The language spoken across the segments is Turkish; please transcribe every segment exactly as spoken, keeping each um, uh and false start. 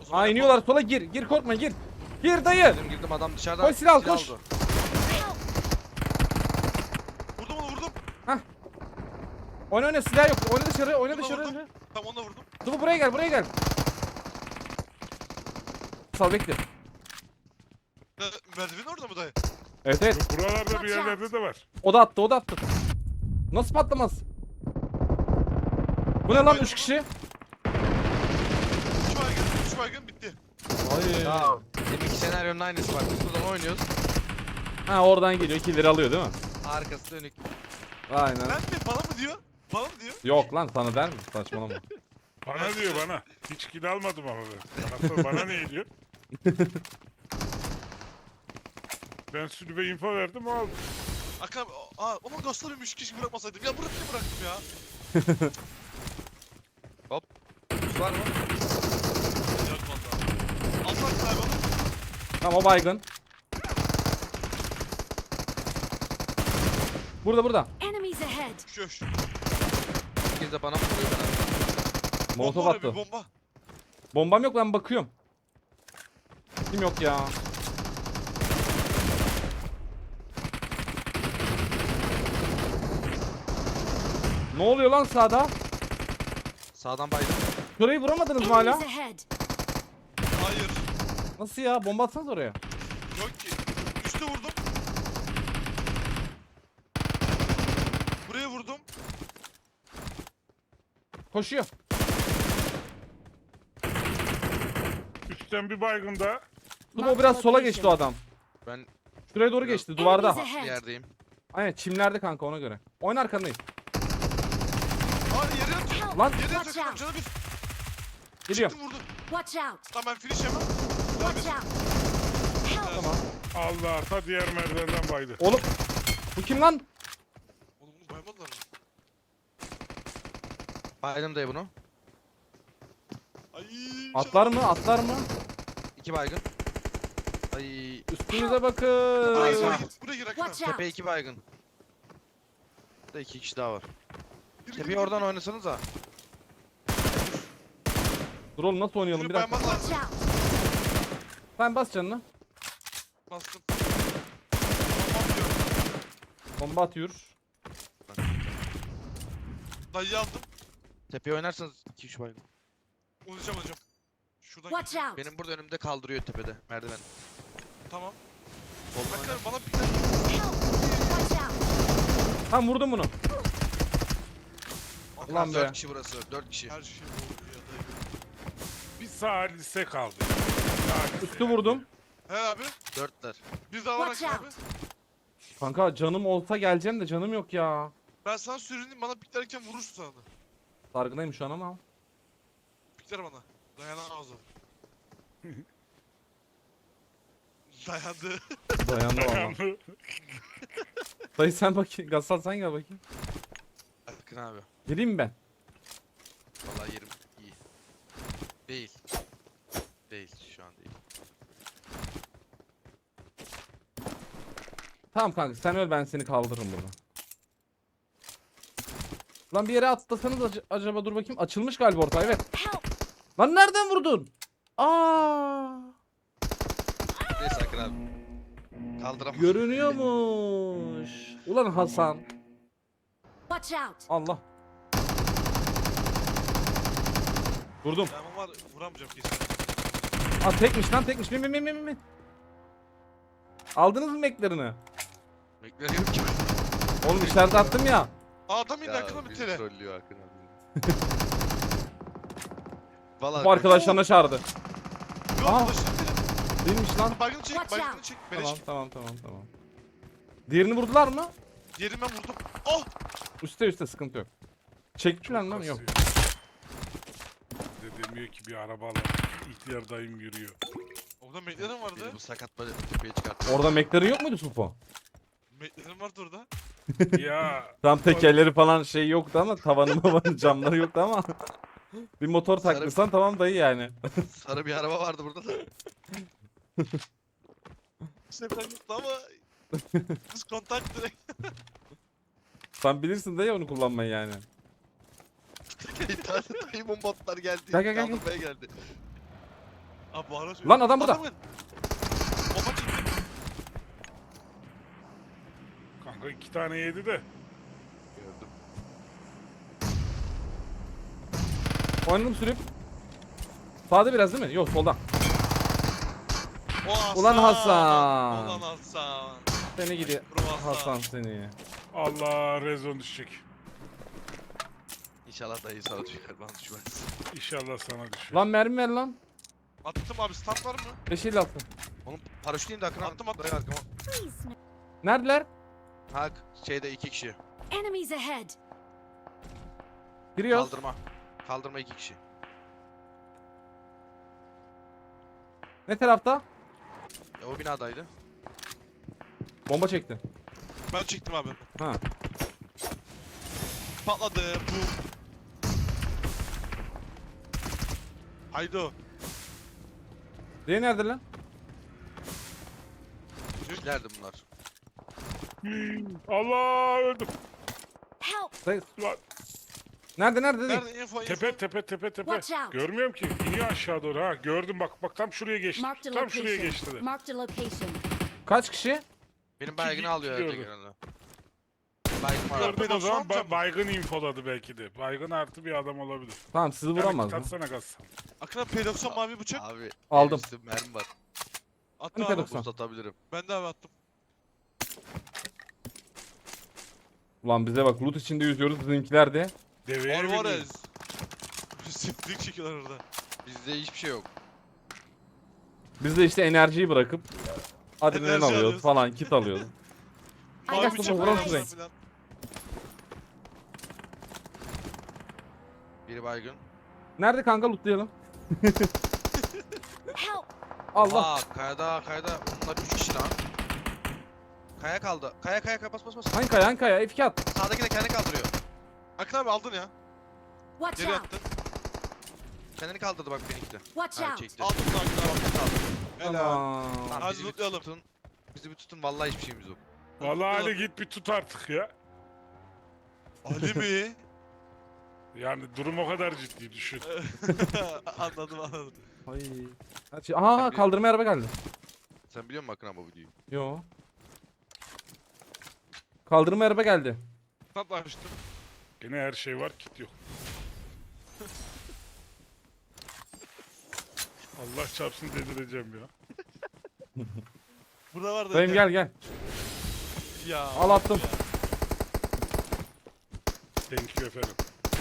zaman Aa iniyorlar sola, gir. Gir korkma, gir. Gir dayı. Girdim girdim, adam dışarıdan Koş, silah al, koş. aldı. Vurdum onu vurdum. Oyna oyna, silah yok. Oyna dışarı, oyna Onu da dışarı. vurdum. oyna. Tam onu da vurdum. Dur buraya gel, buraya gel. Sal bekle. Ya, merdivenin orada mı dayı? Evet evet. Buralarda bir yerlerde de var. O da attı, o da attı. Nasıl patlamaz? Bu ne lan, üç kişi? Üç baygın, üç baygın bitti. Hayır. Ya deminki senaryonun aynısı bak. Biz buradan oynuyoruz. Ha oradan geliyor, killeri alıyor değil mi? Arkası dönük. Aynen. Ben mi? Bana mı diyor? Bana mı diyor? Yok lan, sana der mi? Saçmalama. Bana diyor bana. Hiç kill almadım ama ben. Bana, bana ne diyor? Ben sülübe info verdim o aldı. Akam, aa ama göstereyim üç kişi bırakmasaydım. Ya bırak niye bıraktım ya? Buz var mı? Yok valla. Alsak abi onu. Tamam, o baygın. Burada burada. Enemies ahead. Köş. Bir de bana mı vuruyor ben? Molotov Bomba oraya attı. bir bomba. Bombam yok, ben bakıyorum. Kim yok ya? Ne oluyor lan sağda? Sağdan baydım. Şurayı vuramadınız mı hala? Enemies ahead. Hayır. Nasıl ya? Bomba atsanız oraya. Yok ki. Üste vurdum. Buraya vurdum. Koşuyor. Üstten bir baygın daha. Dur, o biraz sola geçti o adam. Ben Şuraya doğru geçti, duvarda. Enemies bir ahead. yerdeyim. Aynen, çimlerde kanka, ona göre. Oyun arkandayım. Aa yere yatıyor. Lan Yere Watch yatıyor. out. Canı bir. geliyor. Çıktım vurdum. Watch out. Lan ben finish yemem. Canı Watch bir. out. Help. Tamam. Allah arta diğer merdivenden baydı. Oğlum. Bu kim lan? Oğlum bunu baymadılar mı? Baydım dayı bunu. Ay. Atlar mı? Atlar mı? İki baygın. Ay Üstünüze bakın. Buraya gir, Ay. buraya gir. Buraya gir Akın abi. Watch out. tepe iki baygın. Burada iki kişi daha var. Gir, gir, Tepeyi gir. oradan oynasanız ha. Dur oğlum, nasıl oynayalım, Yürü, bir dakika. baymak Watch lazım. out. Sen bas canını. Bastım. Tamam diyor. Bomba atıyor. Dayıyı aldım. Tepeyi oynarsanız iki üç baygın. Olacağım hocam. Şuradan Watch gideyim. out. Benim burada önümde kaldırıyor tepede merdiven. Tamam. Soldan Akın oynar. abi bana bir tane. Help. Watch out. Tam vurdum bunu. Ulan be. Dört kişi burası. Dört kişi. Her şey oldu ya dayı. Bir sağ lise kaldı. Sağ lise. Üstü vurdum. He abi. Dörtler. Bir daha var Watch Akın abi. out. Kanka canım olsa geleceğim de canım yok ya. Ben sana sürüneyim bana piklerken vurursun sana. Sargıdayım şu an ama. Pikler bana. Dayanamaz o. Dayandı. Dayandı valla. Dayandı. Dayı sen bakayım. Gassal sen gel bakayım. Akın abi. Geleyim mi ben? Vallahi yerim iyi. Değil. Değil şu an değil. Tamam kanka, sen öl, ben seni kaldırırım burada. Lan bir yere atlasanız ac- acaba, dur bakayım. Açılmış galiba orta, evet. Help. Lan nereden vurdun? Aa! Neyse Akın abi. Kaldıramam. Görünüyormuş. Ulan Hasan. Watch out. Allah. Vurdum. Ben var vuramayacağım kesin. Aa tekmiş lan, tekmiş. Min min min min min. Aldınız mı meklerini? Bekliyorum ki. Oğlum içeride attım ya. Aa adam indi Ya Akın'a bir bizi tele. trollüyor Akın abi. Vallahi Bu arkadaşlarına çağırdı. Yok Aa. başını tele. Değilmiş lan. Baygını çek, Watch baygını out. çek. Beleş. Tamam tamam tamam tamam. Diğerini vurdular mı? Yerime vurdum. Oh! Üste üste, sıkıntı yok. Çektiler lan, yok. Bir de demiyor ki bir arabayla ihtiyar dayım yürüyor. Orada meklerim vardı. Beni bu sakat böyle tepeye çıkarttı. Orada meklerin yok muydu Supo? Meklerim vardı orada. Ya Tam tekerleri falan şey yoktu ama, tavanı mavanı camları yoktu ama. Bir motor Sarı- taklırsan tamam dayı yani. Sarı bir araba vardı burada da. İşte ben yoktu ama biz kontak direkt. Sen bilirsin dayı onu kullanmayı yani. Bir tane dayımın botlar geldi. Gel, gel, gel, gel. Kaldırmaya geldi. Abi bu ara Lan adam burada. Adamın. Bomba çıktı. Kanka iki tane yedi de. Gördüm. Oynadım sürüp. Sağda biraz değil mi? Yok solda. O Hasan. Ulan Hasan. Ulan Hasan. Seni gidi Bro Hasan. Hasan seni. Allah rezon düşecek. İnşallah dayı sana düşer, bana düşmez. İnşallah sana düşer. Lan mermi ver lan. Attım abi, stand var mı? beş elli altı. Oğlum paraşüt indi Akın Attım, attım. Dayı arkama. Please, no. Neredeler? Ha şeyde iki kişi. Enemies ahead. Giriyoruz. Kaldırma. Kaldırma iki kişi. Ne tarafta? Ya o binadaydı. Bomba çekti. Ben çektim abi. Ha. Patladı. Boom. Haydo. Diğeri nerede lan? Kişilerdi bunlar. Allah öldüm. Help. Say- Lan, Nerede nerede dedi? Nerede info info? tepe tepe tepe tepe. Watch out. Görmüyorum ki. İniyor aşağı doğru ha. Gördüm bak bak tam şuraya geçti. Marked a Tam şuraya location. geçti de. Marked a location. Kaç kişi? Benim baygını alıyor gördüm. herhalde genelde. Baygın var. Gördüm o Pedofil zaman amca ba- mı? baygın infoladı belki de. Baygın artı bir adam olabilir. Tamam sizi vuramaz. mı? Tatsana gaz. Akın abi P doksan mavi bıçak. Abi. Aldım. Üstü mermi var. Attım Hani abi. P doksan? Boost atabilirim. Ben de abi attım. Ulan bize bak loot içinde yüzüyoruz bizimkiler de. Deveye biniyor. Alvarez. Siflik çekiyorlar orada. Bizde hiçbir şey yok. Biz de işte enerjiyi bırakıp adrenalin Enerji alıyoruz alıyoruz. falan kit alıyoruz. I Mavi Gel got bıçak kızım, var vuralım falan size. filan. Biri baygın. Nerede kanka lootlayalım? Help. Allah. Aa kayada kayada. Bunlar üç kişi lan. Kaya kaldı. Kaya kaya kaya bas bas bas. Hangi kaya hangi kaya? F iki at. Sağdaki de kendini kaldırıyor. Akın abi aldın ya. Watch Geri out. attın. Kendini kaldırdı bak benimki de. Watch Ha out. çekti. Aldın da Akın abi. Kaldı. Helal. Tamam. Tamam, Hadi bizi bir lootlayalım. tutun. Bizi bir tutun vallahi hiçbir şeyimiz yok. Vallahi Ali git bir tut artık ya. Ali mi? Yani durum o kadar ciddi düşün. Anladım anladım. Ay. Hadi- Aa kaldırma araba geldi. Sen biliyor musun Akın abi bu videoyu? Yo. Kaldırma araba geldi. Stand açtım. Gene her şey var kit yok. Allah çarpsın delireceğim ya. Burada var da. Dayım gel gel. Ya. Al attım. Thank you efendim.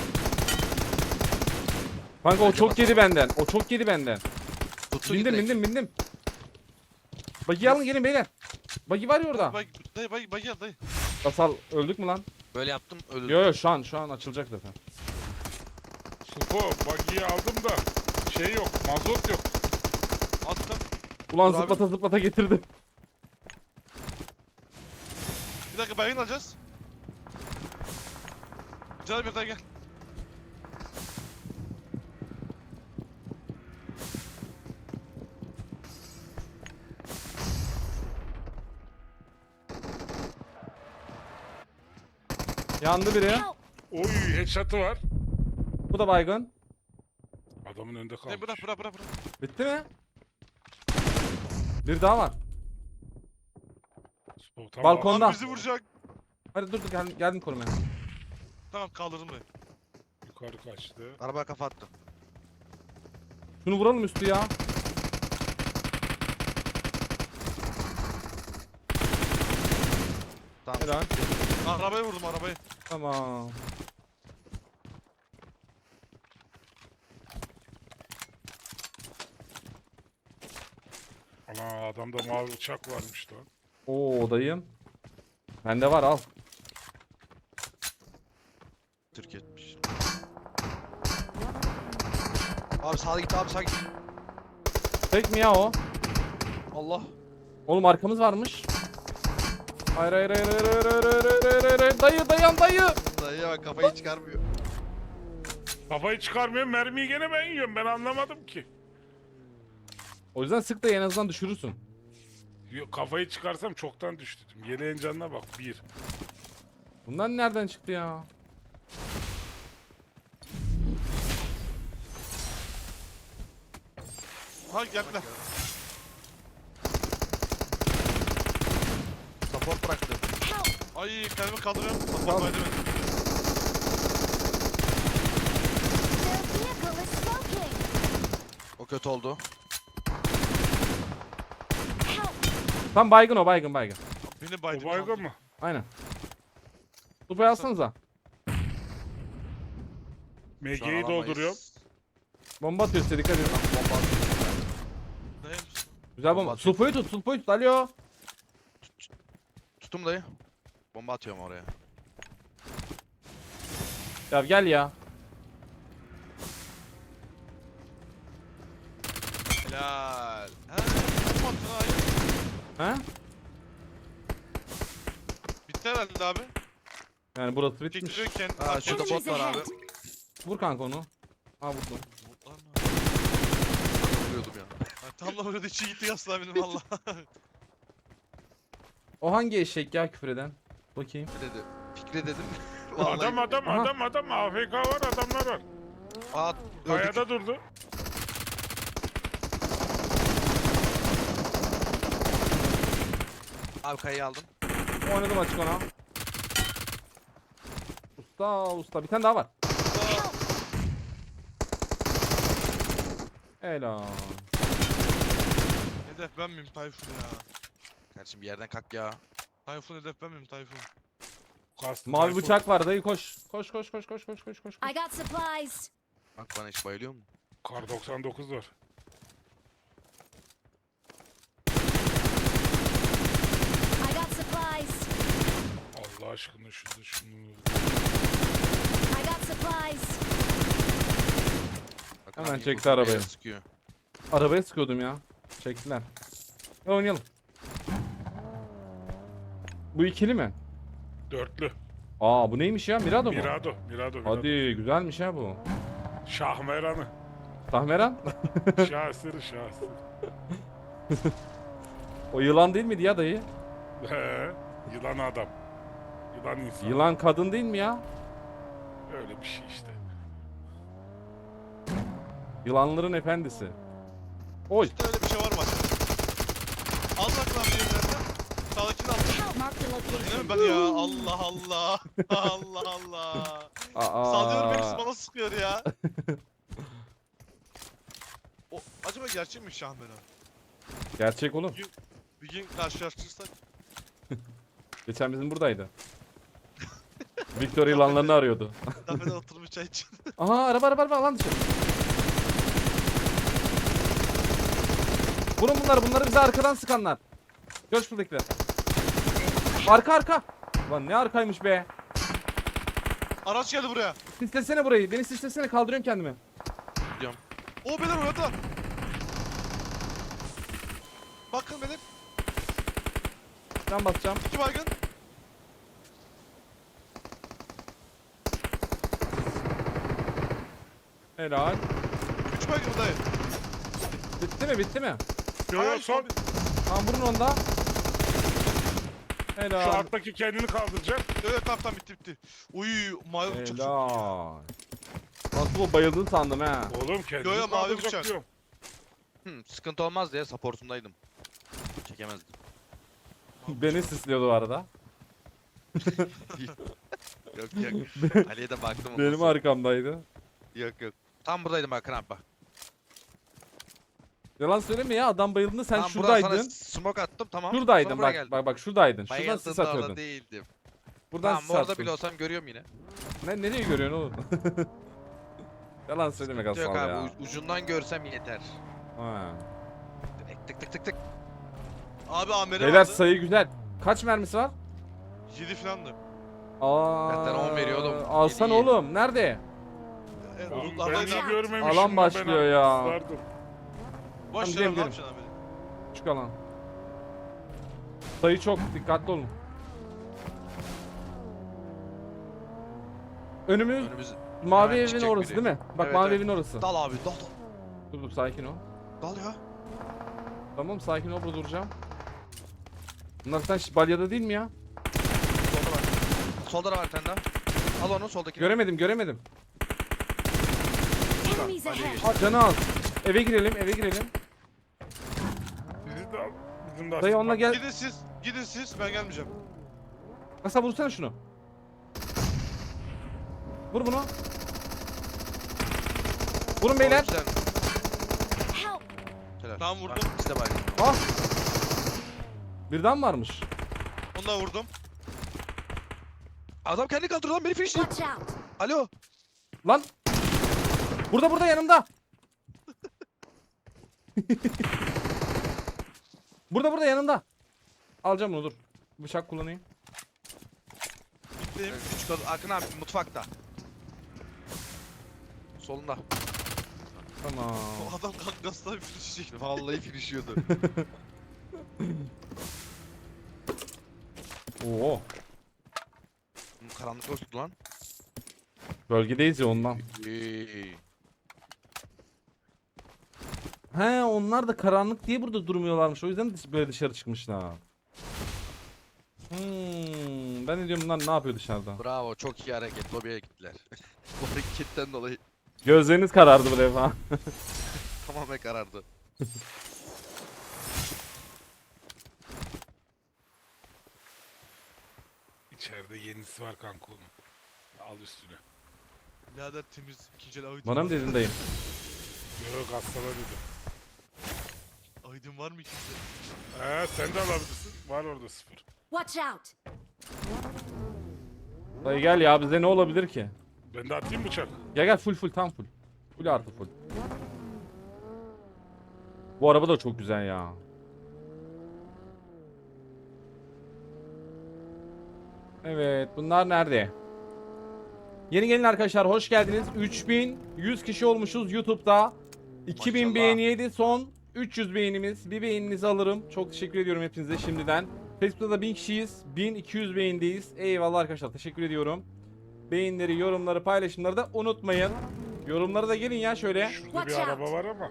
Kanka o çok yedi benden. O çok yedi benden. Tuttu Bindim direkt. bindim bindim. Bagi alın gelin beyler. Bagi var ya orada. Bak dayı bak bak gel dayı. Basal öldük mü lan? Böyle yaptım öldüm. Yo yo şu an şu an açılacak zaten. Supo bagiyi aldım da şey yok mazot yok. Attım. Ulan Dur abi. zıplata zıplata getirdim. Bir dakika baygın alacağız. Canım bir daha gel. Yandı biri. Help. Oy headshot'ı var. Bu da baygın. Adamın önünde Ne kalmış. bırak bırak bırak bırak. Bitti mi? Bir daha var. Supo, tamam. Balkon- Onda. Abi bizi vuracak. Hadi dur dur geldim, geldim korumaya. Tamam kaldırdım dayı. Yukarı kaçtı. Arabaya kafa attı. Şunu vuralım üstü ya. Tamam. Helal. Arabayı vurdum arabayı. Tamam. Ana adamda mavi uçak varmış lan. Oo dayım. Bende var al. Türk etmiş. Abi sağa git abi sağa git. Tek mi ya o? Allah. Oğlum arkamız varmış. Hayır hayır hayır hayır hayır hayır hayır hayır hayır hayır. Dayı dayan dayı. Dayı bak kafayı çıkarmıyor. Kafayı çıkarmıyor mermiyi gene ben yiyorum ben anlamadım ki. O yüzden sık da en azından düşürürsün. Yok, kafayı çıkarsam çoktan düştüm. Yeleğin canına bak bir. Bunlar nereden çıktı ya? Ha geldiler. Support bıraktı. Help! Ay kendimi kaldırıyorum. Bak Tamam. bak edemedim. Their vehicle is smoking! O kötü oldu. Help! Tam baygın o baygın baygın. Beni O baydı. baygın mı? Aynen. Tupayı alsanıza. Şu an M G'yi alamayız. dolduruyorum. Bomba atıyor size dikkat edin. Bomba atıyor. Neyim? Güzel Bomba bomba. atıyor. Sulpoyu tut sulpoyu tut. Alo. Tuttum dayı. Bomba atıyorum oraya. Ya gel ya. Helal. Ha, ne attın hayır? He? Bitti herhalde abi. Yani burası bitmiş. Çektiriyor kendi. Ha, şurada Enemies bot var abi. ahead! Vur kanka onu. Ha vurdum. Vuruyordum ya. Tam da burada içi gitti yasla benim valla. O hangi eşek ya küfür eden? Bakayım. Ne dedi? Fikri dedim. Adam adam Aha. adam adam A F K var adamlar var. Aa, öldük. Kayada durdu. Abi kayayı aldım. Oynadım açık ona. Usta usta bir tane daha var. Helal. Hedef ben miyim Tayfun ya? Kardeşim bir yerden kalk ya. Tayfun hedef ben miyim Tayfun? Kastı Mavi Tayfun. bıçak var dayı koş. Koş koş koş koş koş koş koş. I got supplies! Bak bana hiç bayılıyor mu? Kar doksan dokuz var. I got supplies! Allah aşkına şunu şunu. I got supplies! Bak, Hemen abi, çekti bu arabayı. buraya sıkıyor. Arabaya sıkıyordum ya. Çektiler. Ya oynayalım. Bu ikili mi? Dörtlü. Aa bu neymiş ya? Mirado mu? Mirado. Mirado. Mirado. Hadi güzelmiş ha bu. Şahmeranı. Tahmeran? Şahsırı şahsırı. O yılan değil miydi ya dayı? He. Yılan adam. Yılan insan. Yılan kadın değil mi ya? Öyle bir şey işte. Yılanların efendisi. Oy. İşte öyle bir şey var mı acaba? Al bak lan bir yerlerden. Sağdakini al. Help! Mark the Yine mi location! ben ya? Allah Allah. Allah Allah. Aa. Sallıyorum hepsi bana sıkıyor ya. O, acaba gerçek mi Şahmeran? Gerçek oğlum. Bir gün karşılaştırırsak. Geçen bizim buradaydı. Victor yılanlarını arıyordu. Kafede oturmuş çay için. Aha araba araba araba alan dışı. Vurun bunları bunları bize arkadan sıkanlar. Gör şuradakiler. Arka arka. Lan ne arkaymış be. Araç geldi buraya. Sislesene burayı. Beni sislesene kaldırıyorum kendimi. O beyler orada. Bakın benim. Ben basacağım. İki baygın. Helal. Üç baygın dayı. Bitti mi bitti mi? Yo yo son. Tamam vurun onda. Şu Helal. alttaki kendini kaldıracak. Evet tamam tamam bitti bitti. Uy mavi bıçak çok iyi ya. Helal. Nasıl o bayıldın sandım ha. Oğlum kendini Yo, yo, mavi kaldıracak bıçak. diyorum. Hmm, sıkıntı olmaz diye supportundaydım. Çekemezdim. Beni sisliyordu o arada. Yok yok. Ali'ye de baktım. ondan Benim sonra. arkamdaydı. Yok yok. Tam buradaydım bak abi bak. Yalan söyleme ya adam bayıldığında sen Tam buradan şuradaydın. sana smoke attım tamam. Şuradaydın Sonra buraya bak, geldim. bak bak şuradaydın. Şuradan sis Bayıldığımda orada atıyordun. değildim. Buradan Tamam sis orada atıyordun. bile olsam görüyorum yine. Ne, nereye görüyorsun oğlum? Yalan söyleme Yok Gasal abi ya. u- ucundan görsem yeter. Ha. Tık tık tık tık tık. Abi Amer'e Beyler vardı. sayı güzel. Kaç mermisi var? Yedi filandı. Aa. Benden on veriyordum. Alsan Yedi, yedi. oğlum. Nerede? Evet, Oğlum ben lootlardaydı de abi. görmemişim. Alan ben başlıyor abi ya. ıslardım. Boş Tamam, ver ne gidelim, yapacaksın abi? Küçük alan. Sayı çok. Dikkatli olun. Önümüz Önümüz mavi hemen evin çıkacak orası biri. değil mi? Bak Evet, mavi evet. evin orası. dal abi dal dal. Dur dur sakin ol. Dal ya. Tamam sakin ol burada duracağım. Bunlar sen şi- balyada değil mi ya? Solda var. Solda da var bir tane daha. Al onu soldakini. Göremedim göremedim. Enemies Ali'ye ahead! geçti. Aa, canı al. Eve girelim eve girelim. de al. Bizim de Dayı onunla aslında- gel. Gidin siz. Gidin siz. Ben gelmeyeceğim. Kasa vursana şunu. Vur bunu. Vurun beyler. Güzel. Help! Helal. Tamam vurdum. Ha, İşte bak. Ah. Birden varmış. Onu da vurdum. Adam kendi kaldırıyor lan beni finishliyor. Watch out! Alo. Lan. Burada burada yanımda. Burada burada yanımda. Alacağım bunu dur. Bıçak kullanayım. Gittim. Küçük adam. Akın abi mutfakta. Solunda. Tamam. O adam kankasına bir fırçacak. Vallahi finishliyordu. Oo. Karanlık yoktu lan. Bölgedeyiz ya ondan. Eee. He onlar da karanlık diye burada durmuyorlarmış. O yüzden dış- böyle dışarı çıkmışlar. Hmm, ben de diyorum bunlar ne yapıyor dışarıda? Bravo, çok iyi hareket. Lobiye gittiler. Bu hareketten dolayı Gözleriniz karardı bu defa. tamamen karardı. İçeride yenisi var kanka onun. Al üstüne. Birader temiz. İkinci el Aydın Bana mı var. dedin dayım? Yok hastalar dedim. Aydın var mı ikinci el? He sen de alabilirsin. Var orada sıfır. Watch out! Dayı gel ya bize ne olabilir ki? Ben de atayım bıçak. Gel gel full full tam full. Full artı full. Bu araba da çok güzel ya. Evet bunlar nerede? Yeni gelin arkadaşlar hoş geldiniz. üç bin yüz kişi olmuşuz YouTube'da. iki bin Maşallah. beğeniydi son üç yüz beğenimiz. Bir beğeninizi alırım. Çok teşekkür ediyorum hepinize şimdiden. Facebook'ta da bin kişiyiz. bin iki yüz beğendeyiz. Eyvallah arkadaşlar teşekkür ediyorum. Beğenileri, yorumları, paylaşımları da unutmayın. Yorumlara da gelin ya şöyle. Şurada Watch bir out. araba var ama.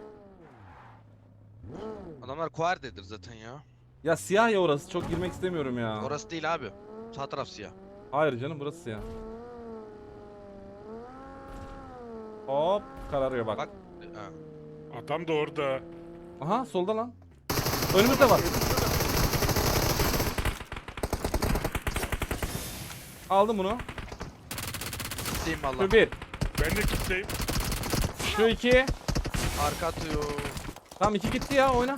Adamlar Kuarde'dir zaten ya. Ya siyah ya orası çok girmek istemiyorum ya. Orası değil abi. Sağ taraf siyah. Hayır canım burası siyah. Hop kararıyor bak. Bak. Ha. Adam da orada. Aha solda lan. Önümüzde var. Aldım bunu. Gideyim valla. Şu bir. Ben de kitleyim. Şu iki. Arka atıyor. Tamam iki gitti ya oyna.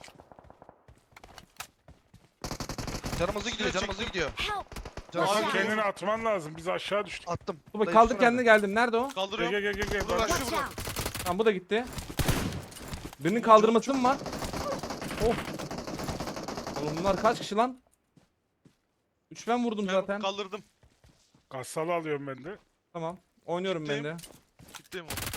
Canımızı gidiyor, Şuraya canımızı çektim. gidiyor. Help! Canımızı Watch gidiyor. out! Kendini atman lazım. Biz aşağı düştük. Attım. Dur bak Dayı kaldır tutsana kendini beni. geldim. Nerede o? Gel Kaldırıyorum. gel gel gel. Dur, Bak. bak. Watch burada. out! Tamam bu da gitti. Birinin kaldırması mı var? Oh. Oğlum bunlar kaç kişi lan? üç ben vurdum Ben zaten. kaldırdım. Kassalı alıyorum ben de. Tamam. Oynuyorum ben de. Gittim onu.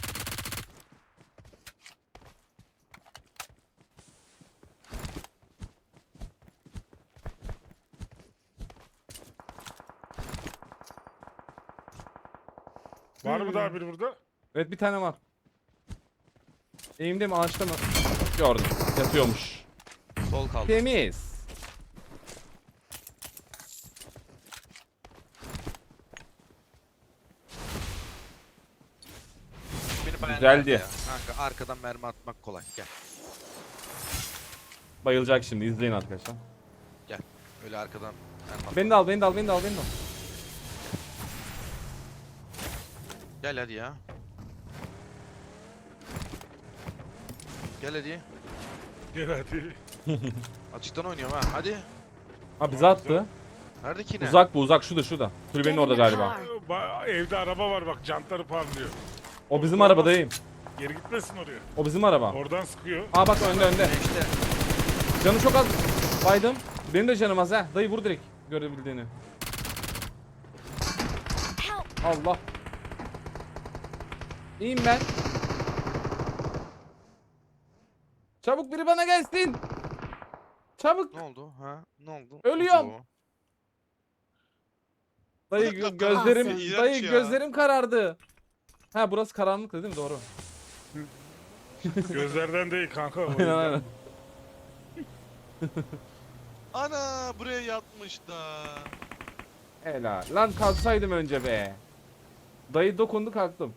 Var mı daha biri burada? Evet bir tane var. Eğimde mi ağaçta mı? Gördüm. Yatıyormuş. Sol kaldı. Temiz. Beni beğendi Güzeldi. ya. Kanka arkadan mermi atmak kolay. Gel. Bayılacak şimdi izleyin arkadaşlar. Öyle arkadan mermi at. Beni de al beni de al beni de al beni de al. Gel hadi ya. Gel hadi. Gel hadi. Açıktan oynuyorum ha. Hadi. Ha bize attı. Nerede ki ne? Uzak bu uzak şurada şurada. Kulübenin Get in orada the galiba. car. Ba- Evde araba var bak. Jantları parlıyor. O bizim arabadayım. Geri gitmesin oraya. O bizim araba. Oradan sıkıyor. Aa bak önde önde. Ne işte. Canı çok az. Baydım. Benim de canım az ha. Dayı vur direkt görebildiğini. Help! Allah. İyiyim ben. Çabuk biri bana gelsin. Çabuk. Ne oldu? Ha? Ne oldu? Ölüyorum. Oo. Dayı gö- gözlerim İğrenç dayı ya. gözlerim karardı. Ha burası karanlık değil mi? Doğru. Gözlerden değil kanka. o Aynen yüzden. aynen. Ana buraya yatmış da. Helal. Lan kalksaydım önce be. Dayı dokundu kalktım.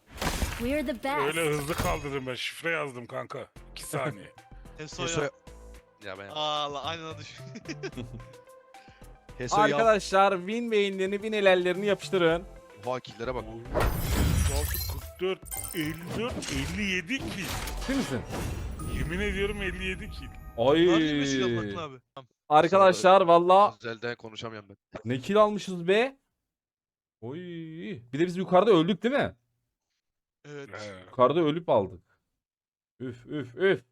We're the best! Öyle hızlı kaldırdım ben. Şifre yazdım kanka. iki saniye. Teso'ya. Teso'ya Ya ben Allah aynen o düşün. Heso yap. Arkadaşlar win beyinlerini win helallerini yapıştırın. Oha killere bak. kırk dört, elli dört, elli yedi kill. Değil misin? Yemin ediyorum elli yedi kill. Ay. Var mı silah bakın abi? Tamam. Arkadaşlar valla Özelden konuşamıyorum ben. ne kill almışız be. Oy. Bir de biz yukarıda öldük değil mi? Evet. He. Yukarıda ölüp aldık. Üf üf üf.